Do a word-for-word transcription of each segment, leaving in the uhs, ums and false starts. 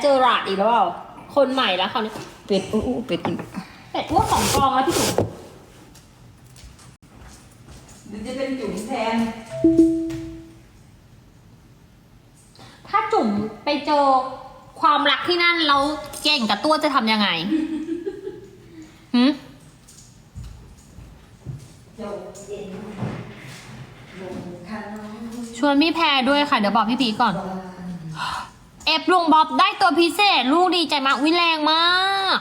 เจอราดอีกแล้วเปล่าคนใหม่แล้วเขาวนี้เป็ดอู้อู้เป็ดอีกเป็ดอ้วกสองกองแล้วพี่จุ๋มเดี๋ยวจะเป็นจุ๋มแทนถ้าจุ๋มไปเจอความรักที่นั่นแล้วเก่งกับตัวจะทำยังไงหืมเจ้าเย็นลงคันชวนพี่แพรด้วยค่ะเดี๋ยวบอกพี่พีก่อนเอฟลุงบ๊อบได้ตัวพิเศษลูกดีใจมากวิแรงมาก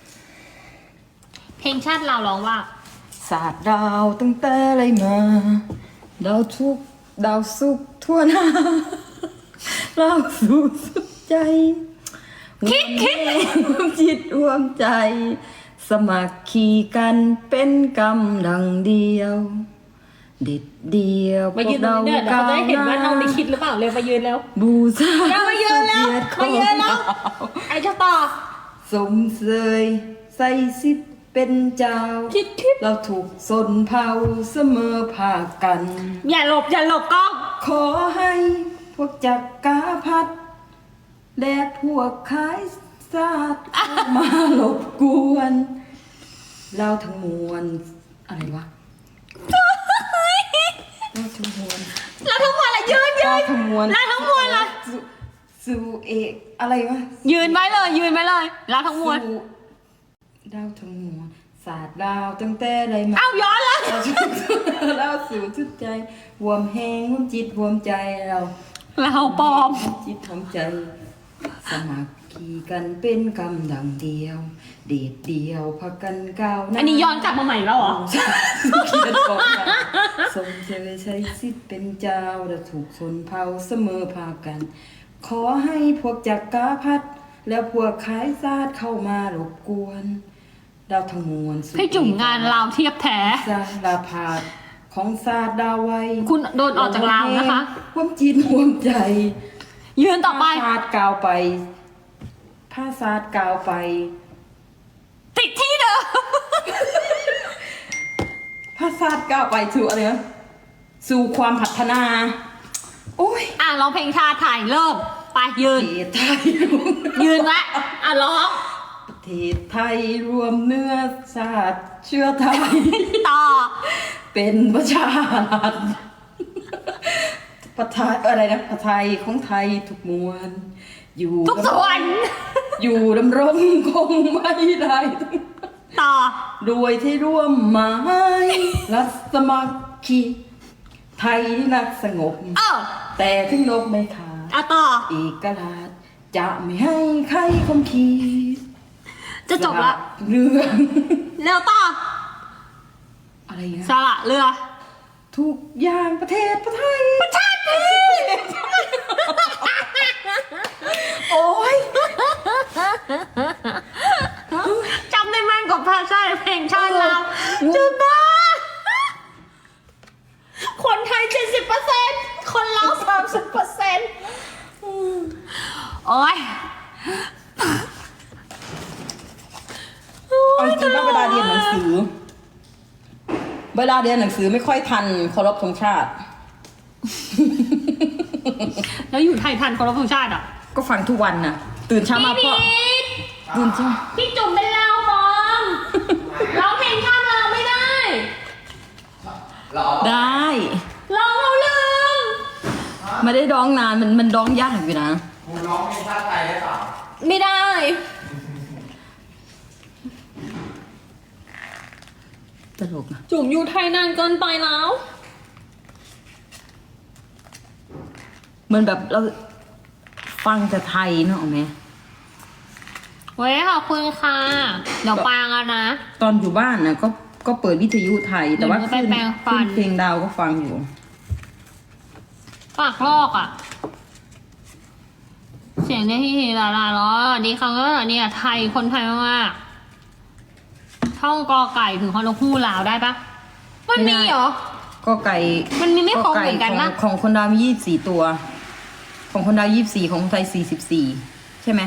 เพลงชาติเราร้องว่าศาสตร์ดาวตั้งแต่ไรมาดาวทุกดาวสุขทั่วหน้าเราสู่สุดใจคิดคิดรวมจิตรวมใจ สมัครคีกันเป็นกำลังเดียวเด็ดเดียวมายืนตรงนี้เดี๋ยวเขาจะได้เห็นว่าน้องได้คิดหรือเปล่าเร็วมายืนแล้วบูชาเรามายืนแล้วมายืนแล้วไอ้เจ้าต่อสมเสยใส่สิทธิ์เป็นเจ้าคิดคิดเราถูกสนเผาเสมอภาคกันอย่าหลบอย่าหลบกล้องขอให้พวกจักกาพัดและพวกขายซาดมาหลบกวน เราทั้งมวลอะไรวะเราทั้งมวลเราทั้งหมดละยืนยืเรานทั้งมวลเราทั้งมวลละสู่สู่เอกอะไรวะยืนไว้เลยยืนไว้เลยเราทั้งมวลสู่ดาวทั้งมวลศาสตร์ดาวตั้งแต่ไรมาเอ้าย้อนแล้วเราสู่เราสู่ชุดใจหวมแหงหวมจิตหวมใจเราเราปลอมจิตทำใจ สมัครคีกันเป็นกำลังเดียว เดดเดียวพักกันก้าวหน้าอันนี้ย้อนกลับมาใหม่แล้วเหรอเขียนก่อนนะสมเจริญใช้สิทธิ์เป็นเจ้าและถูกชนเผ่าเสมอพากัน ขอให้พวกจักกาพัดแล้วพวกขายซาดเข้ามารบกวนดาวทั้งมวลสุดพี่จุ๋มงานเราเทียบแท้ซาลาพาดของซาดดาวไว้คุณโดนออกจากราวนะคะความจิตหวมใจยืนต่อไปผ้าซาดกาวไปผ้าซาดกาวไปติดที่เดิมผ้าซาดกาวไปสู่อะไรนะสู่ความพัฒนา โอ้ยอ่ะร้องเพลงชาติไทยเริ่มไปยืนประเทศไทยยืนไว้อ่ะร้องประเทศไทยรวมเนื้อชาติเชื้อไทยต่อเป็นประชารัฐประไทยอะไรนะประไทยของไทยทุกมวลอยู่ทุกส่วนอยู่ดำรงคงไม่ได้ต่อรวยที่ร่วมหมายรัฐสมัครคีไทยนักสงบเออแต่ถึงลบไม่ขาดอ่ะต่อเอกราชจะไม่ให้ใครคมขีดจะจบละเรื่องเร็วต่ออะไรนะสละเรือทุกอย่างประเทศประไทยชาติไทยโอ้ยจำได้แม่นกว่าภาษาเพลงชาติเราจุดบ้าคนไทยเจ็ดสิบเปอร์เซ็นต์คนเราสามสิบเปอร์เซ็นต์โอ้ยเอาจริงๆว่าเวลาเรียนหนังสือ เวลาเรียนหนังสือไม่ค่อยทันเคารพธงชาติแล้วอยู่ไทยทันเคารพธงชาติอ่ะก็ฟังทุกวันน่ะ ตื่นเช้ามาพ่อตื่นเช้าพี่จุ๋มเป็นเราบอมร้องเพลงชาติเราไม่ได้ได้ร้องเราลืมไม่ได้ร้องนานมันมันร้องยากอยู่นะคุณร้องเพลงชาติไทยได้เปล่าไม่ได้ตลกนะจุ๋มอยู่ไทยนานเกินไปแล้วเหมือนแบบเราฟังแต่ไทยเนอะไหมเว้ยขอบคุณค่ะ เดี๋ยวปังอะนะตอนอยู่บ้านนะก็ก็เปิดวิทยุไทย แต่ว่าเดี๋ยวหนูไปขึ้นแปรงฟันขึ้นเพลงดาวก็ฟังอยู่ปากลอกอ่ะ เสียงเนี่ยที่ลาลาล้อดีครั้งก็เนี่ยไทยคนไทยมากๆท่องกอไก่ถึงฮอนกฮูกลาวได้ปะมันมีเหรอก็ไก่มันมีไม่ครบก็เหมือนกันของปะของคนดาวมียี่สิบสี่ตัว ของคนดาวยี่สิบสี่ของคนไทยสี่สิบสี่ใช่ไหม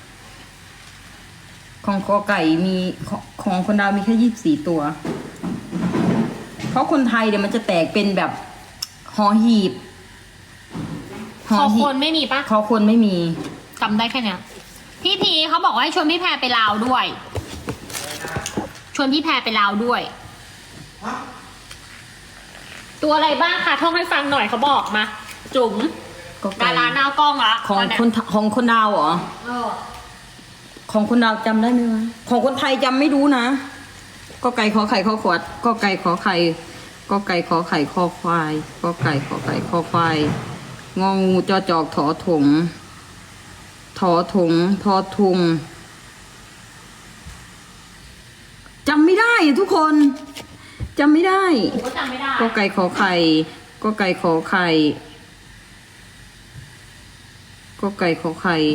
ของกอไก่มีของของคนดาวมีแค่ยี่สิบสี่ตัว เพราะคนไทยเดี๋ยวมันจะแตกเป็นแบบหอหีบขอคนไม่มีปะคอคนไม่มีจำได้แค่เนี้ยพี่พีเขาบอกว่าให้ชวนพี่แพรไปลาวด้วย ชวนพี่แพรไปลาวด้วยฮะตัวอะไรบ้างคะท่องให้ฟังหน่อยเขาบอกมา จุ๋มก็ไก่ดาราหน้ากล้องละของตนเนี้ยคนของคนดาวเหรอเออของคนดาวจำได้ไหมวะของคนไทยจำไม่รู้นะก็ไก่ขอไข่ขอขวดก็ไก่ขอไข่ก็ไก่ขอไข่ขอควายก็ไก่ขอไข่ขอควายงองูจอจอกถอถงถอถงทอทุงจำไม่ได้อะทุกคนจำไม่ได้หนูก็จำไม่ได้ก็ไก่ขอไข่ก็ไก่ขอไข่ก็ไก่ขอไข่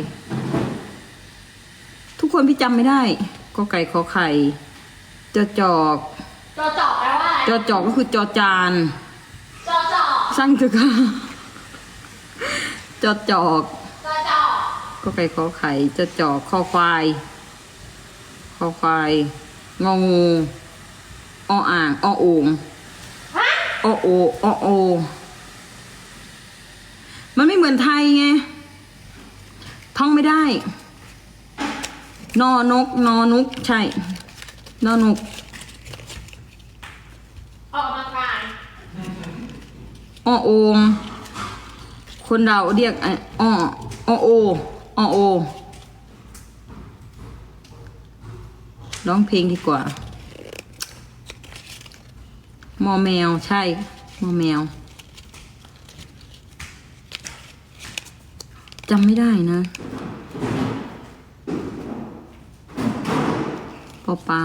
ทุกคนพี่จำไม่ได้ก็ไก่ขอไข่จอจอกจอจอกแปลว่าอะไรจอจอกก็คือจอจานจอจอกช่างเถอะค่ะจอจอกจอจอกก็ไก่ขอไข่จอจอกคอควายคอควายงองูออ่างอโอ่งฮะอโออโอ มันไม่เหมือนไทยไง ท่องไม่ได้ นอนก นอนุก ใช่ นอนุกออกกำลังกายอโอม คนเราเรียกไอ้ออโออโอ ร้องเพลงดีกว่า มอแมว ใช่ มอแมว จำไม่ได้นะ ปอปลา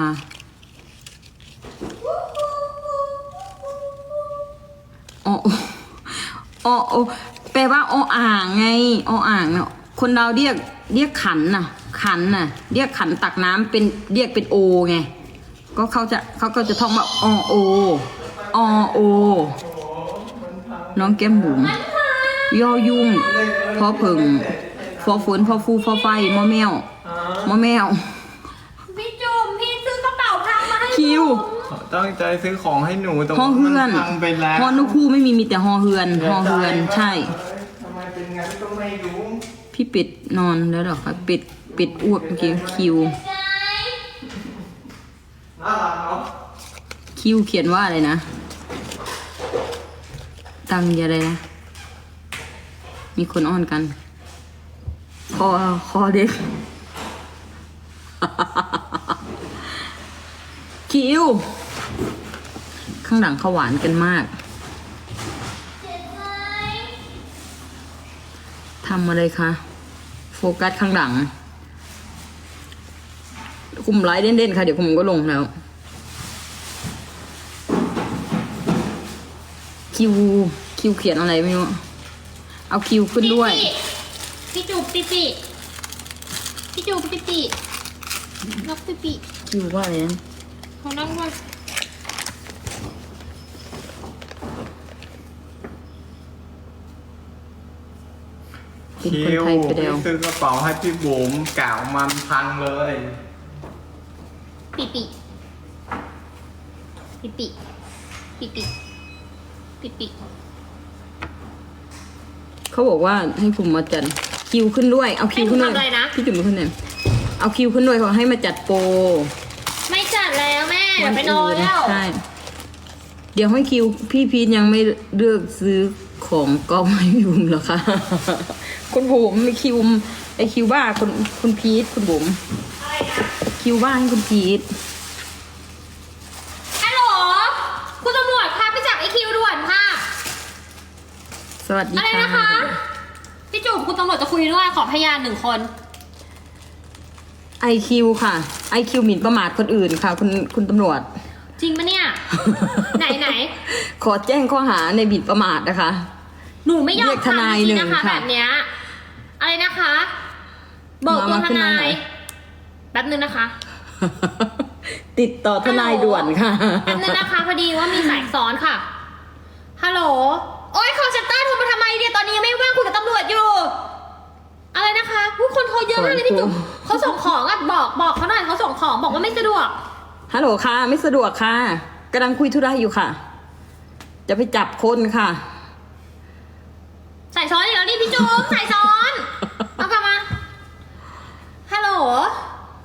อออออแปลว่าออ่างไงออ่างเนาะคนเราเรียกเรียกขันน่ะ ขันน่ะ เรียกขันตักน้ำเป็นเรียกเป็นโอไง ก็เขาจะเขาก็จะท่องว่าอโออโอ น้องแก้มบุ๋มยอยุ่งพอผึ่งฟอฝนพอฟูฟอไฟมอแมวมอแมวพี่จุ๋มพี่ซื้อกระเป๋าพังมาให้คิวตั้งใจซื้อของให้หนูแต่ฮอว่าเฮืมัอนนพังไปแล้วฮอนุคู่ไม่มีมีแต่ฮอเฮือนฮอเฮือนใช่เอ้ยทำไมเป็นงั้นก็ไม่รู้พี่ปิดนอนแล้วเหรอคะปิดปิดอ้วกเมื่อกี้คิวน่ารักเนาะคิวเขียนว่าอะไรนะ ตังยาอะไรนะ มีคนอ้อนกัน คอคอเด็ก คิว ข้างหลังเขาหวานกันมาก ทำอะไรคะ โฟกัสข้างหลัง คุมไลฟ์เด่นๆค่ะ เดี๋ยวผมก็ลงแล้ว คิว คิวเขียนอะไรไม่รู้ เอาคิวขึ้นด้วยพี่จุ๋มปิปิพี่จุ๋มปิปินกปิปิคิวว่าอะไรนะเขานั่งด้วยเป็นคิคนวไทยไปแล้วพี่ซื้อกระเป๋าให้พี่บุ๋มกล่าวมันพังเลยปิปิปิปิปิปิปิปิเขาบอกว่าให้ผมมาจัดคิวขึ้นด้วย เอาคิวขึ้นด้วยให้หนูทำอะไรนะพี่จุ๋มขึ้นเลยเอาคิวขึ้นด้วยเขาให้มาจัดโปรไม่จัดแล้วแม่เดี๋ยวไปนอนแล้วใช่ เดี๋ยวให้คิว พี่พีทยังไม่เลือกซื้อของก็ไม่ยุ่งหรอกค่ะ คุณบุ๋มมีคิวไอคิวบ้าคุณคุณพีทคุณบุ๋มอะไรนะคิวบ้าให้คุณพีทฮัลโหลคุณตำรวจพาไปจับไอคิวด่วนค่ะสวัสดีอะไรค่ะนะคะ พี่จุ๋มคุณตำรวจจะคุยด้วยขอพยานหนึ่งคนไอคิวค่ะไอคิวหมิ่นประมาทคนอื่นค่ะ คุณคุณตำรวจจริงปะเนี่ย ไหนไหนขอแจ้งข้อหาในหมิ่นประมาทนะคะหนูไม่ยอเรีมยกทนายทำจริงๆหนึ่นะงคะค่ะแบบเนี้ยอะไรนะคะเบิกตัวมาทขึ้นมานายหน่อยแป๊บนึงนะคะติดต่อทนายด่วนค่ะแป๊บนึงนะคะพอดีว่ามีสายซ้อนค่ะฮัลโหลโอ๊ยคอลเซ็นเตอร์โทรมาทำไมเนี่ยตอนนี้ยังไม่ว่างคุยกับตำรวจอยู่ อะไรนะคะผู้คนโทรเยอะมากเลยพี่จุ๋มเขาส่งของอ่ะบอกบอกเขาหน่อยเขาส่งของบอกว่าไม่สะดวกฮัลโหลค่ะ ไม่สะดวกค่ะกำลังคุยธุระอยู่ค่ะ จะไปจับคนค่ะสายซ้อนอีกแล้วนี่พี่จุ๋มสายซ้อนเอากลับมาฮัลโหล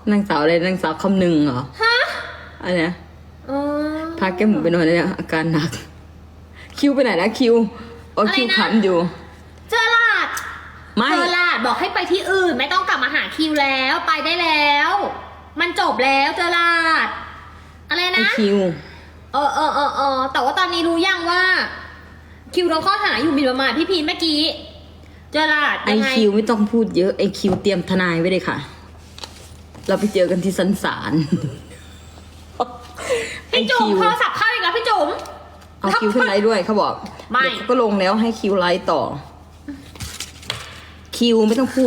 นางสาวอะไรนางสาวคำหนึ่งเหรอฮะอะไรนะอ๋อพาแก้มหมูไปนอนเนี่ยอาการหนัก คิวไปไหนนะคิวอ๋อคิวขำอยู่เจอลาดไม่เจอลาดบอกให้ไปที่อื่น ไม่ต้องกลับมาหาคิวแล้วไปได้แล้ว มันจบแล้วเจอลาด อะไรไอนะคิวเออเออเออเออแต่ว่าตอนนี้รู้ยังว่า คิวโดนข้อหาอยู่หมิ่นประมาทพี่พีนเมื่อกี้ เจอลาดไอยังไงคิวไม่ต้องพูดเยอะไอคิวเตรียมทนายไว้เลยค่ะ เราไปเจอกันที่สันศาล ไอพี่จุ๋มคิวโทรศัพท์เข้าอีกแล้วพี่จุ๋มเอาคิวขึ้นไลฟ์ด้วยเขาบอกไม่เดี๋ยวเขาก็ลงแล้วให้คิวไลฟ์ต่อ คิวไม่ต้องพูด